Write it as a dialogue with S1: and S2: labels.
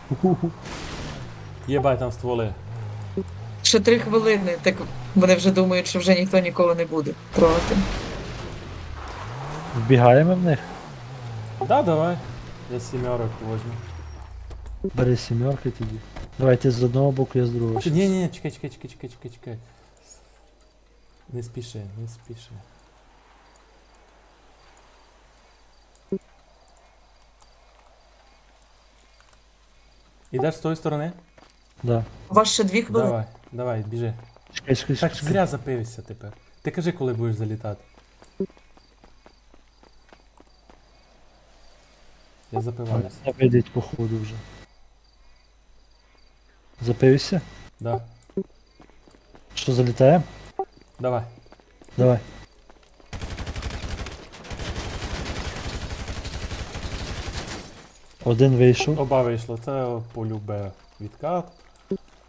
S1: Єбай, там стволи.
S2: Ще 3 хвилини, так вони вже думають, що вже ніхто ніколи не буде трогати.
S3: Вбігаємо в них.
S1: Да, давай. Я сімерок возьму.
S3: Бери сімерки тоді. Давайте з одного боку, я з другого. щас.
S1: Ні, чекай. Не спіши. Ідеш з тої сторони?
S3: Да.
S2: У вас ще 2 хвилини.
S1: Давай, біжи.
S3: Чекай.
S1: Так зря запився тепер. Ти кажи, коли будеш залітати. Я запиваюся.
S3: Не вийдуть по ходу вже. Запився?
S1: Да.
S3: Що, залітає?
S1: Давай.
S3: Давай. Один вийшов.
S1: Оба вийшло. Це полюбе відкат.